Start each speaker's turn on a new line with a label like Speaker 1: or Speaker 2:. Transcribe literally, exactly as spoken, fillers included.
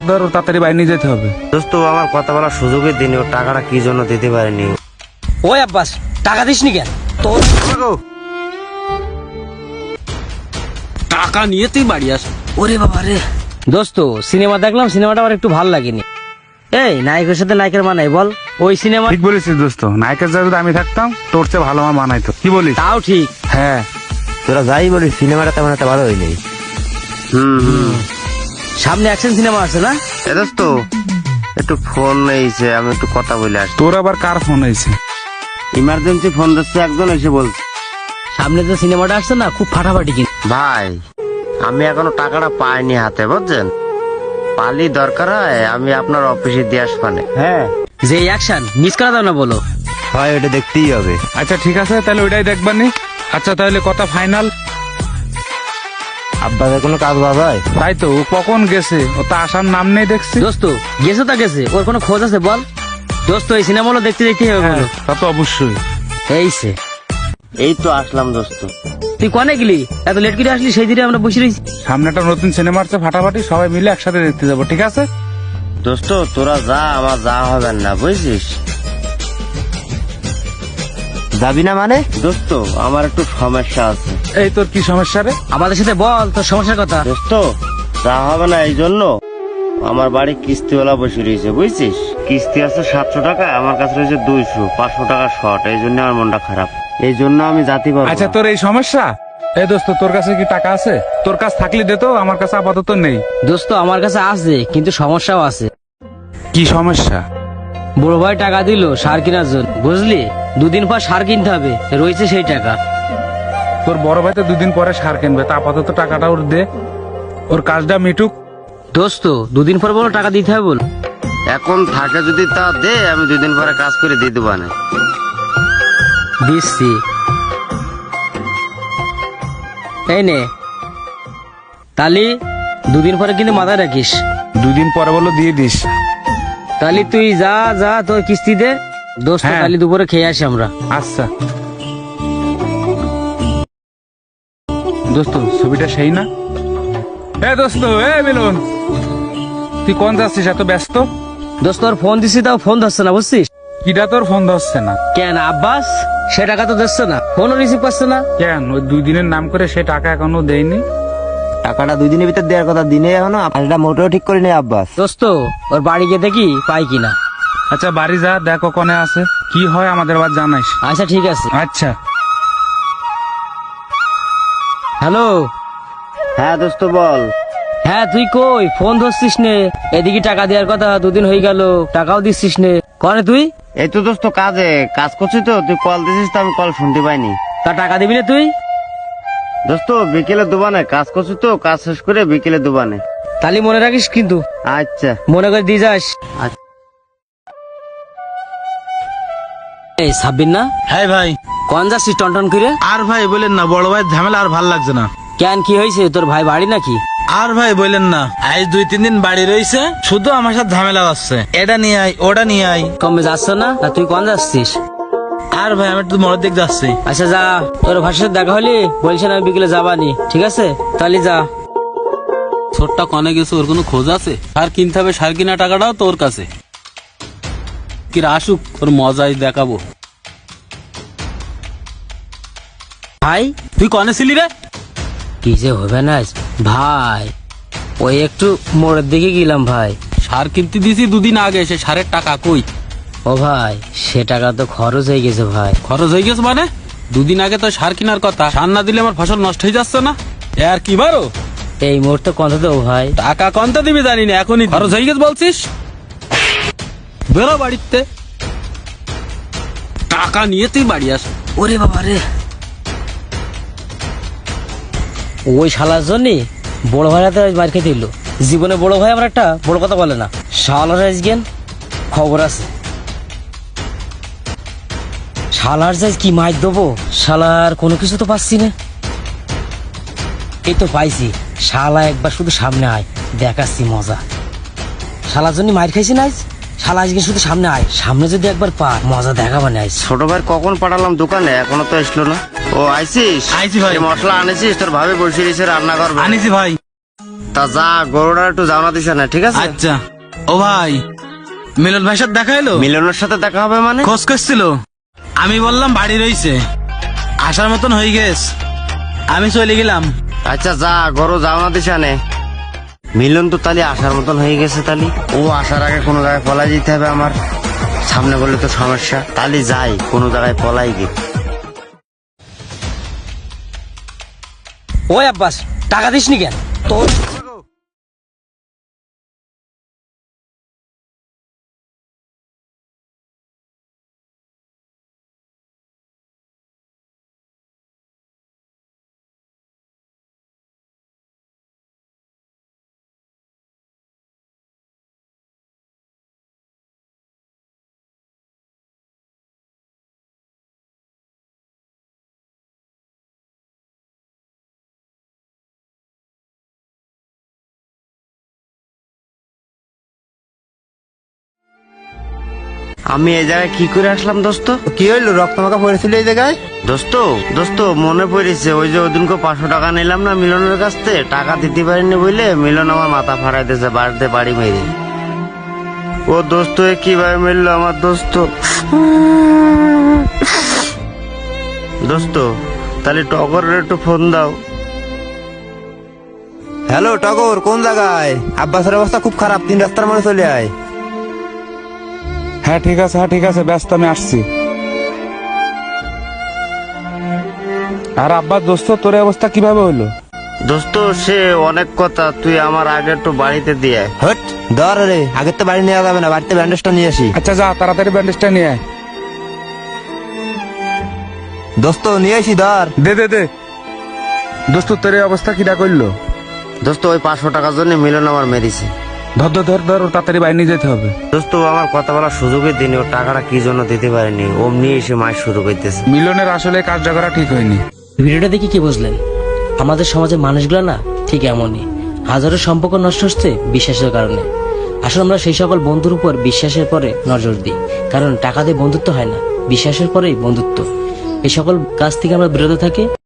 Speaker 1: ধর তাড়াতাড়ি বাইরে নিয়ে যেতে হবে।
Speaker 2: দোস্ত আমার কথা বলার সুযোগই দিনি, ও টাকাটা কি জন্য দিতে পারেনি।
Speaker 3: ওই আব্বাস টাকা দিস নি কেন? তোর
Speaker 4: টাকা নিয়ে তুই বাড়ি আস।
Speaker 3: ওরে বাবা রে দোস্ত, সিনেমা দেখলাম, সিনেমাটা আমার একটু ভালো লাগেনি। এই নায়কের সাথে নায়কের মানাই বল? ওই সিনেমা
Speaker 1: ঠিক বলেছিস দোস্ত, নায়কের জায়গায় যদি আমি থাকতাম তোর চেয়ে ভালো আমার মানাইতো। কি বলিস?
Speaker 3: তাও ঠিক।
Speaker 1: হ্যাঁ
Speaker 2: তোরা যাই বলিস সিনেমাটা তেমন একটা ভালো হয়নি। হুম হুম
Speaker 3: সামনে অ্যাকশন সিনেমা আছে না?
Speaker 2: এ দোস্ত একটু ফোন নেইছে, আমি একটু কথা বলে আসি।
Speaker 1: তোর আবার কার ফোন হয়েছে?
Speaker 2: ইমার্জেন্সি ফোন দিচ্ছে, একজন এসে বলছে।
Speaker 3: সামনে যে সিনেমাটা আসছে না, খুব ফাটাফাটি কিন্তু।
Speaker 2: ভাই আমি এখনো টাকাটা পাইনি হাতে, বুঝছেন? পালি দরকার হয় আমি আপনার অফিসে দিয়ে আসবানে। হ্যাঁ
Speaker 3: যে অ্যাকশন মিস করা দাও না বলো।
Speaker 2: হয় ওটা দেখতেই হবে।
Speaker 1: আচ্ছা ঠিক আছে, তাহলে ওইটাই দেখবানি। আচ্ছা তাহলে কথা ফাইনাল?
Speaker 2: আব্বাদের কোনো কাজ বাজ হয়?
Speaker 1: তাই তো, ও কখন গেছে? ও তো আসার নাম নেই দেখছি।
Speaker 3: দোস্ত গেছে তা গেছে, ওর কোনো খোঁজ আছে বল? দোস্ত এই সিনেমাগুলো দেখতে দেখতে হবে বলো।
Speaker 1: তা তো অবশ্যই।
Speaker 3: এই সে
Speaker 2: এই তো আসলাম দোস্ত।
Speaker 3: তুই কনে গেলি? এত লেট করে আসলি, সেই দিনে আমরা বসে রয়েছি।
Speaker 1: সামনে একটা নতুন সিনেমা আছে ফাটাফাটি, সবাই মিলে একসাথে দেখতে যাবো, ঠিক আছে?
Speaker 2: দোস্ত তোরা যা, আমার যা হবে না, বুঝছিস? যাবি না মানে? দোস্ত আমার একটু সমস্যা আছে।
Speaker 1: এই তোর কি সমস্যা রে?
Speaker 3: আমাদের সাথে বল তোর সমস্যার কথা।
Speaker 2: দোস্ত যা হবে না, এই জন্য আমার বাড়ি কিস্তিওয়ালা বসে রয়েছে, বুঝছিস? কিস্তি আছে সাতশো টাকা, আমার কাছে রয়েছে দুইশো, পাঁচশো টাকা শর্ট। এই জন্য আমার মনটা খারাপ, এই জন্য আমি জাতি পারবো না।
Speaker 1: আচ্ছা তোর এই সমস্যা? এই দোস্ত তোর কাছে কি টাকা আছে? তোর কাছে থাকলে দে তো, আমার কাছে আপাতত নেই।
Speaker 3: দোস্ত আমার কাছে আছে, কিন্তু সমস্যাও আছে।
Speaker 1: কি সমস্যা?
Speaker 3: বড় ভাই টাকা দিল সার কেনার জন্য, বুঝলি? দুদিন পর সার কিনতে হবে, রয়েছে সেই টাকা।
Speaker 1: তোর বড় ভাই তো দুদিন পরে সার কিনবে, তা আপাতত টাকাটা ওর দে, ওর কাজটা মিটুক।
Speaker 3: দোস্ত দুদিন পর বলো টাকা দিতে হবে বল।
Speaker 2: এখন থাকে যদি তা দে, আমি দুদিন পরে কাজ করে দিয়ে দেবো না।
Speaker 3: দিচ্ছি, এই নে তালি, দুদিন পরে কিন্তু মাথায় রাখিস।
Speaker 1: দুদিন পরে বলো দিয়ে দিস।
Speaker 3: তালি তুই যা যা তোর কিস্তি দে। দোস্ত
Speaker 1: হ্যাঁ।
Speaker 3: তালি দুপুরে খেয়ে আসি আমরা।
Speaker 1: আচ্ছা দোস্ত, ছবিটা সেই না? এ দোস্ত, এ মিলন, তুই কোন যাচ্ছিস এত ব্যস্ত?
Speaker 3: দোস্ত ওর ফোন দিছি, তাও ফোন ধরছে না, বুঝছিস?
Speaker 1: কিটা তোর ফোন ধরছে না
Speaker 3: কেন আব্বাস? সে টাকা তো দিচ্ছে না, ফোনও রিসিভ করছে না।
Speaker 1: কেন? ওই দুই দিনের নাম করে সে টাকা এখনো দেয়নি।
Speaker 2: টাকাটা দুই দিনের ভিতর দেওয়ার কথা, দিনে এখনো এটা মোটেও ঠিক করে নেই আব্বাস।
Speaker 3: দোস্ত ওর বাড়ি গিয়ে দেখি পাই কিনা।
Speaker 1: আচ্ছা বাড়ি যা, দেখো কোনে আছে, কি হয় আমাদের আবার জানাইস।
Speaker 3: আচ্ছা ঠিক আছে।
Speaker 1: আচ্ছা
Speaker 3: হ্যালো।
Speaker 2: হ্যাঁ দোস্ত বল।
Speaker 3: হ্যাঁ তুই কই? ফোন ধরছিস নে, এদিকে টাকা দেওয়ার কথা, দুদিন হয়ে গেল টাকাও দিচ্ছিস নে। কনে তুই?
Speaker 2: এই তো দোস্ত কাজে কাজ করছি তো, তুই কল দিছিস তো আমি কল শুনতে পাইনি।
Speaker 3: তা টাকা দিবি না তুই?
Speaker 2: দোস্ত বিকেলে দোবানে কাজ করছি তো, কাজ শেষ করে বিকেলে দোবানে।
Speaker 3: তালি মনে রাখিস কিন্তু,
Speaker 2: আচ্ছা
Speaker 3: মনে করে দিয়ে যাস।
Speaker 2: আচ্ছা।
Speaker 3: এই সাব্বির না?
Speaker 4: হ্যাঁ ভাই।
Speaker 3: কোন যাচ্ছিস টনটন করে?
Speaker 4: আর ভাই বলেন না, বড় ভাই ঝামেলা আর ভাল লাগছে না।
Speaker 3: কেন কি হয়েছে? তোর ভাই বাড়ি নাকি?
Speaker 4: আর ভাই বলেন না, আজ দুই তিন দিন বাড়ি রয়েছে, শুধু আমার সাথে ঝামেলা হচ্ছে। এটা নিয়ে আই, ওটা নিয়ে আই।
Speaker 3: কমে যাচ্ছ না? তা তুই কোন যাচ্ছিস?
Speaker 4: আর ভাই আমি একটু মোড়ের দিক যাচ্ছি।
Speaker 3: আচ্ছা যা, তোর ভাষার সাথে দেখা হলি বলছেন আমি বিকেলে যাবানি, ঠিক আছে? তাহলে যা।
Speaker 5: ছোটটা কনে গেছে, ওর কোনো খোঁজ আছে? সার কিনতে হবে, সার কিনা টাকাটাও তোর কাছে। কি আসুক, ওর মজাই দেখাবো।
Speaker 3: ভাই
Speaker 5: তুই কনে ছিলি রে?
Speaker 3: কি যে হবে না ভাই, ওই একটু মোড়ের দিকে গেলাম ভাই।
Speaker 5: সার কিনতে দিয়েছি দুদিন আগে, সে সারের টাকা কই?
Speaker 3: ও ভাই সে টাকা তো খরচ হয়ে গেছে ভাই।
Speaker 5: খরচ হয়ে গেছে মানে? দুদিন আগে তো সার কেনার কথা, সার না দিলে আমার ফসল নষ্ট হয়ে যাচ্ছে না। এ আর কি বারো?
Speaker 3: এই মুহূর্তে কত দেবো ভাই?
Speaker 5: টাকা কত দিবি জানি না, এখনই খরচ হয়ে গেছে বলছিস। বেরো বাড়িতে, টাকা নিয়ে তুই বাড়ি আস।
Speaker 3: ওরে বাবা রে, ওই শালার জন্য বড় ভাই হাতে মার খেতে দিল। জীবনে বড় ভাই আমার একটা বড় কথা বলে না। শালার আজকেন খবর আছে, শালার যাই কি মার দেবো। শালার কোনো কিছু তো পাচ্ছি না। এই তো পাইছি, শালা একবার শুধু সামনে আয়, দেখাচ্ছি মজা। শালার জন্য মার খাইছি না আজ, শালা আজকে শুধু সামনে আয়, সামনে যদি একবার পা মজা দেখাবানে আজ।
Speaker 2: ছোট ভাই কখন পাঠালাম দোকানে, এখনো তো আসলো না। ও আইসিস?
Speaker 4: আইছি ভাই।
Speaker 2: এই মশলা আনেছিস? তোর ভাবে বসে রয়েছে রান্না করবে।
Speaker 4: আনিছি ভাই।
Speaker 2: তা যা গরুটা একটু যাওনা দিস না, ঠিক আছে?
Speaker 4: আচ্ছা। ও ভাই, মিলন ভাইয়ের সাথে দেখা এলো?
Speaker 2: মিলনের সাথে দেখা হবে মানে?
Speaker 4: খোঁজ করছিল। আমি বললাম বাড়ি রইছে, আসার মতন হয়ে গেছে, আমি চলে গেলাম।
Speaker 2: আচ্ছা যা, গরু যাওনা দিস নে। মিলন তো তালি আসার মতন হয়ে গেছে, তালি ও আসার আগে কোনো জায়গায় পলাই যেতে হবে আমার, সামনে বললে তো সমস্যা। তালি যাই কোনো জায়গায় পলাই গে।
Speaker 3: ওই আব্বাস, টাকা দিস নি কেন তোর?
Speaker 2: আমি এই জায়গায় কি করে আসলাম দোস্ত?
Speaker 6: কি হইলো, রক্ত মাখা পড়েছিল এই জায়গায়?
Speaker 2: দোস্ত দোস্ত মনে পড়েছে, ওই যে ওদিনকে পাঁচশো টাকা নিলাম না মিলনের কাছ থেকে, টাকা দিতে পারিনি বলে মিলন আমার মাথা ফাড়াই দিয়েছে বাড়িতে বাড়ি মেরে। ও দোস্ত এ কিভাবে মিললো আমার দোস্ত? দোস্ত তাহলে টগরের একটু ফোন দাও।
Speaker 6: হ্যালো টগর, কোন জায়গায়? আব্বাসের অবস্থা খুব খারাপ, তিন রাস্তার মনে চলে আয়।
Speaker 1: হ্যাঁ ঠিক আছে, হ্যাঁ ঠিক আছে, ব্যস্ত, আমি আসছি। আর আব্বা দোস্ত তোর এই অবস্থা কিভাবে হলো?
Speaker 2: দোস্ত সে অনেক কথা, তুই আমার আগে একটু বাড়িতে দিয়ে আয়।
Speaker 6: হট ধর রে, আগের তো বাড়ি নেওয়া যাবে না, বাড়িতে ব্যান্ডেজটা নিয়ে আসি।
Speaker 1: আচ্ছা যা, তাড়াতাড়ি ব্যান্ডেজটা নিয়ে আয়।
Speaker 6: দোস্ত নিয়ে আসি, ধর।
Speaker 1: দে দে দে। দোস্ত তোর এই অবস্থা কিটা করলো?
Speaker 2: দোস্ত ওই পাঁচশো টাকার জন্য মিলন আমার মেরেছে।
Speaker 1: ধর ধর ধর ধর, ওর তাড়াতাড়ি বাইরে নিয়ে যেতে হবে।
Speaker 2: দোস্ত ও আমার কথা বলার সুযোগই দিনি, ও টাকাটা কি জন্য দিতে পারেনি, অমনি এসে মাস শুরু করতেছে।
Speaker 1: মিলনের আসলে কাজটা করা ঠিক হয়নি।
Speaker 3: ভিডিওটা দেখে কি বুঝলেন? আমাদের সমাজের মানুষগুলো না ঠিক এমনই, হাজারো সম্পর্ক নষ্ট হচ্ছে বিশ্বাসের কারণে। আসলে আমরা সেই সকল বন্ধুর উপর বিশ্বাসের পরে নজর দিই, কারণ টাকা দিয়ে বন্ধুত্ব হয় না, বিশ্বাসের পরেই বন্ধুত্ব। এই সকল কাজ থেকে আমরা বিরত থাকি।